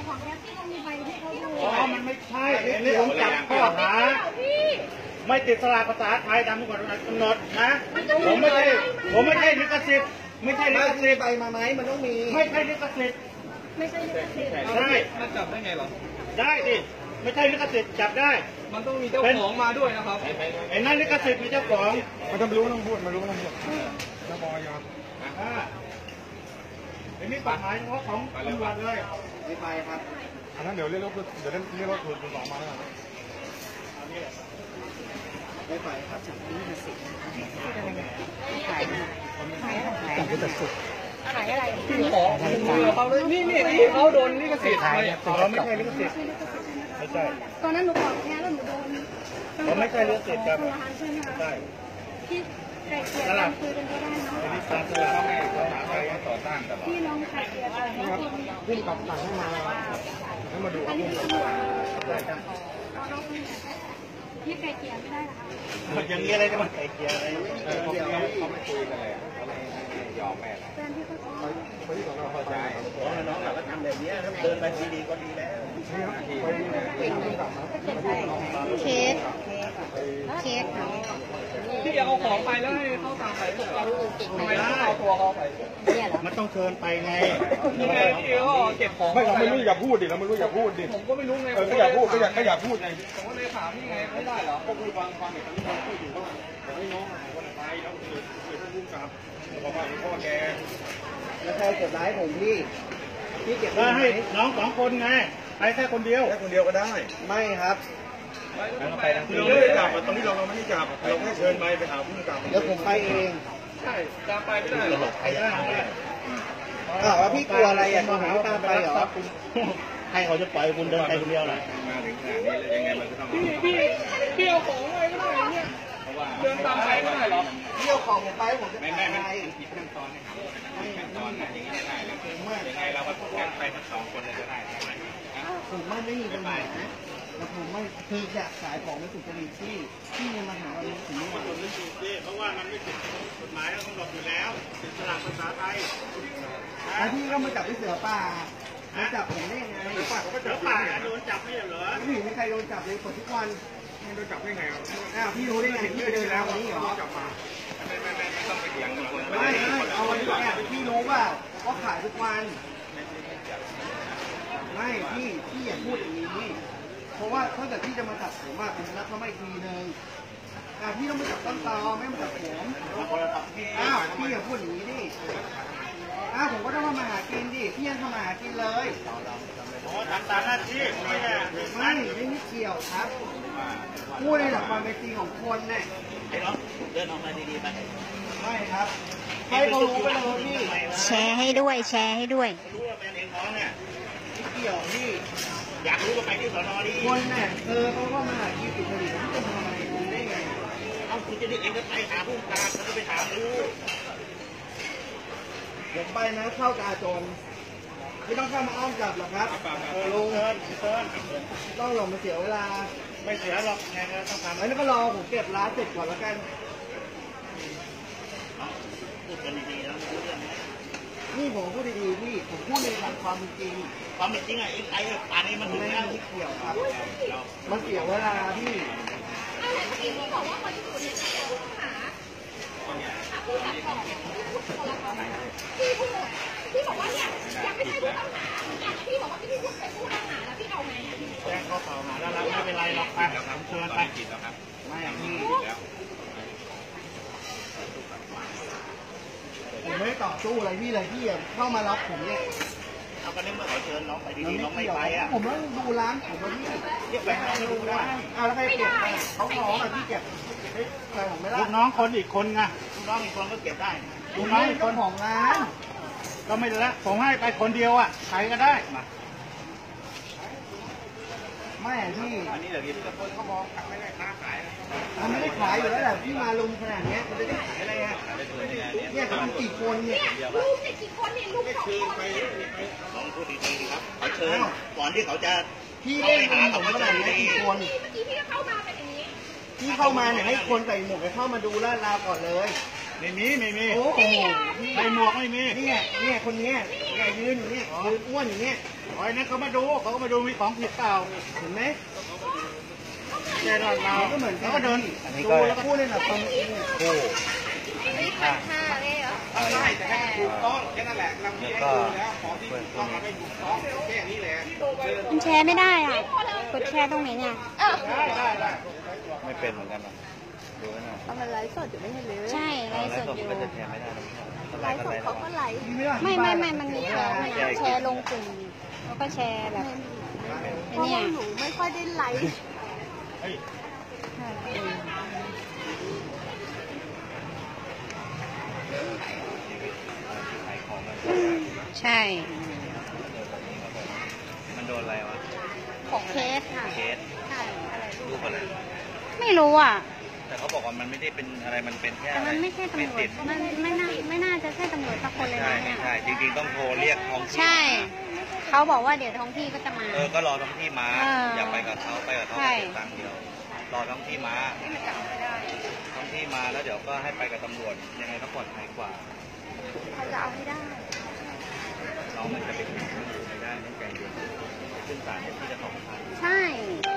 ของแท็กซี่ต้องมีใบให้เขาดูอ๋อมันไม่ใช่อันนี้ผมจับข้อหาไม่ติดสลากภาษาไทยตามกฎหมายกำหนดนะผมไม่ใช่ลิขสิทธิ์ไม่ใช่ลิขสิทธิ์ใบมาไหมมันต้องมีไม่ใช่ลิขสิทธิ์ไม่ใช่ลิขสิทธิ์ได้มันจับได้ไงหรอได้ดิไม่ใช่ลิขสิทธิ์จับได้มันต้องมีเจ้าของมาด้วยนะครับไอ้นั่นลิขสิทธิ์มีเจ้าของมันต้องรู้ต้องพูดมันรู้ต้องพูดจะบอยไอ้นี่กฎหมายเฉพาะของตำรวจเลยไม่ไปครับอันนั้นเดี๋ยวเรียกรถคุณสองมาแล้วไม่ไปครับฉันนี่จะสิขายจะสุดขายอะไรพี่ขอเขาเลยนี่เขาโดนลิขสิทธิ์ไหมเราไม่ใช่ลิขสิทธิ์ไม่ใช่ตอนนั้นหนูบอกแค่แล้วหนูโดนเราไม่ใช่ลิขสิทธิ์ครับใช่ที่ไก่เกลี่ยกันคุยกันก็ได้เนาะพี่น้องไก่เกลี่ยกันแล้วพุ่งกลับสั่งให้มาดูอันนี้คือได้จ้ะพี่ไก่เกลี่ยไม่ได้หรอคะอย่างนี้อะไรจะมาไก่เกลี่ยอะไรเขาไม่คุยกันเลยเขาไม่ยอมแม่แฟนพี่เขาที่ของเราพอใจน้องเราก็ทำแบบนี้เดินไปดีๆก็ดีแล้วเค้กพี่เอาของไปแล้วให้เขาตามไปทำไมต้องเอาตัวเขาไปมันต้องเชิญไปไงยังไงพี่ก็เก็บของไม่เราไม่รู้อย่าพูดดิเราไม่รู้อย่าพูดดิผมก็ไม่รู้ไงก็อยากพูดก็อยากพูดไงผมก็เลยถามนี่ไงไม่ได้เหรอก็คือฟังอย่างนี้เราพูดอยู่ว่าแต่ให้น้องหายวันไปแล้วคือท่านผู้กำกับบอกว่าพ่อแกแล้วใครเก็บร้ายผมพี่เก็บได้ให้น้อง2 คนไงไปแค่คนเดียวก็ได้ไม่ครับไปทั้งที่เราไม่ได้จับตรงนี้เราไม่ได้จับเราแค่เชิญไปหาผู้กำกับเดี๋ยวผมไปเองใช่ตามไปไม่ได้หรอกใครได้ว่าพี่กลัวอะไรอ่ะคุณหาตามไปเหรอให้เขาจะปล่อยคุณเดินไปคนเดียวเหรอมาถึงขนาดนี้แล้วยังไงมันก็ต้องพี่เอาของไปก็ได้เนี่ยเดินตามไปไม่ได้หรอพี่เอาของผมไปผมจะไม่ผิดขั้นตอนนะครับขั้นตอนนะอย่างนี้ไม่ได้แล้วยังไงเราก็ต้องไปทั้ง2 คนเลยก็ได้ใช่ไหมผมไม่มีปัญหาแต่ผมไม่คืออยากขายของในสุจริตที่มาหาเราถึงนี่มันไม่ถูกดิเพราะว่ามันไม่ผิดกฎหมายแล้วกำหนดอยู่แล้วติดสลากภาษาไทยแล้วพี่ก็มาจับที่เสือป่ามาจับผมได้ไงเสือป่าเขาก็จับป่าโดนจับไม่เหรอไม่เห็นมีใครโดนจับเลยกดทุกวันโดนจับได้ไงพี่รู้ได้ไงพี่เดินแล้ววันนี้เหรอจับมาไม่ต้องไปเถียงคนไม่เอาวันนี้เนี่ยพี่รู้ว่าเขาขายทุกวันไม่พี่อย่าพูดอย่างนี้เพราะว่าถ้าเกิดพี่จะมาจับผมผมนัดเขาไม่ทีนึงพี่ต้องมาจับต้นตอไม่มาจับผมพี่อย่าพูดอย่างนี้ดิผมก็ต้องมาหากินดิพี่ยังทำมาหากินเลยทำตามหน้าที่ไม่เกี่ยวครับพูดในหลักความเป็นจริงของคนเนี่ยเดินออกมาดีๆไปไม่ครับให้เขารู้ไปเลยพี่แชร์ให้ด้วยรู้ว่าเป็นเองน้องเนี่ยเกี่ยวพี่อยากรู้ก็ไปที่สน.ดีคนเนี่ยเขาก็มาหากินติดผลิตเขาจะทำอะไรได้ไงเอาคุณจะได้เองก็ไปหาผู้การเขาจะไปถามรู้ผมไปนะเข้ากาจนไม่ต้องเข้ามาอ้อมจับหรอกครับลุงต้องหลงมาเสียเวลาไม่เสียหรอกไงก็ต้องทำแล้วก็รอผมเก็บร้านเสร็จก่อนแล้วกันพูดกันดีๆแล้วพูดเรื่องนี้นี่ผมพูดดีๆพี่ผมพูดในหลักความจริงความจริงไอ้ป่านนี้มันถึงแล้วที่เกี่ยวครับมันเสียเวลาพี่อะไรเมื่อกี้พี่บอกว่าคนที่ถูกเนี่ยเป็นผู้ต้องหาผู้จัดของพี่บอกว่าเนี่ยยังไม่ใช่ผู้ต้องหาพี่บอกว่าพี่พูดเป็นผู้ต้องหาแล้วพี่เอาไงแจ้งข้อกล่าวหาแล้วไม่เป็นไรหรอกไปเชิญไปไม่พี่ผมไม่ได้ต่อสู้อะไรพี่เลยพี่เข้ามารับผมเนี่ยเอากันนี้เมื่อเขาเชิญน้องไปดีๆน้องไม่ไปผมต้องดูร้านผมว่าพี่เรียกไปให้รู้ได้แล้วใครเก็บเขาขอแบบพี่เก็บใครผมไม่ได้ลูกน้องคนอีกคนไงลูกน้องอีกคนก็เก็บได้ลูกน้องอีกคนของร้านก็ไม่ได้ละผมให้ไปคนเดียวใครก็ได้มาไม่พี่อันนี้เดี๋ยวนี้คนเขามองไม่ได้ค้าขายมันไม่ได้ขายอยู่แล้วแหละพี่มาลุมขนาดนี้มันจะได้ขายอะไรเนี่ยเขากี่คนเนี่ยลูกเนี่ยกี่คนเนี่ยลูก2 คนลองพูดดีๆครับเขาเชิญก่อนที่เขาจะพี่เล่นผมขนาดนี้กี่คนเมื่อกี้พี่ก็เข้ามาเป็นอย่างนี้พี่เข้ามาเนี่ยให้คนใส่หมวกเข้ามาดูลาดราวก่อนเลยไม่มีโอ้โหใส่หมวกไม่มีเนี่ยคนนี้เนี่ยยืนอยู่เนี่ยยืนอ้วนอยู่เนี่ยอ๋อไอ้นั่นเขามาดูมีของผิดเปล่าเห็นไหมแต่เราก็เหมือนเขาก็เดินดูแล้วพูดเลยนะตรงนี้คู่นี่พันห้าเลยเหรอใช่แต่ให้ถูกต้องแค่นั้นแหละเราไม่ได้ดูแล้วของที่ถูกต้องเราไม่ถูกต้องแค่นี้แหละมันแชร์ไม่ได้อ่ะ กดแชร์ตรงไหนเนี่ยได้ไม่เป็นเหมือนกันหรอกดูนะมันไลฟ์สดอยู่ไม่เห็นเลยใช่ไลฟ์สดมันอยู่ก็จะแชร์ไม่ได้นะไลฟ์สดเขาก็ไลฟ์ไม่ มันมีแชร์ลงกลุ่มแล้วก็แชร์แบบไอ้เพราะเนี่ยว่าหนูไม่ค่อยได้ไลฟ์ขายของกันใช่มันโดนอะไรวะของเคสค่ะเคสใช่อะไรรูปอะไรไม่รู้อ่ะแต่เขาบอกว่ามันไม่ได้เป็นอะไรมันเป็นแค่แต่มันไม่ใช่ตำรวจติดมันไม่น่าจะใช่ตำรวจสักคนเลยใช่นะเนี่ยใช่จริงๆต้องโทรเรียกท้องที่ใช่ เขาบอกว่าเดี๋ยวท้องที่ก็จะมาก็รอท้องที่มา อย่าไปกับเขาไปกับเขาใช่เสียตังค์เดียวรอท้องที่มาท้องที่มาแล้วเดี๋ยวก็ให้ไปกับตำรวจยังไงก็ปลอดภัยกว่าเขาจะเอาให้ได้น้องมันจะไปถึงไม่ได้ต้องใจเย็นขึ้นศาลเนี่ยที่จะ2,000 ใช่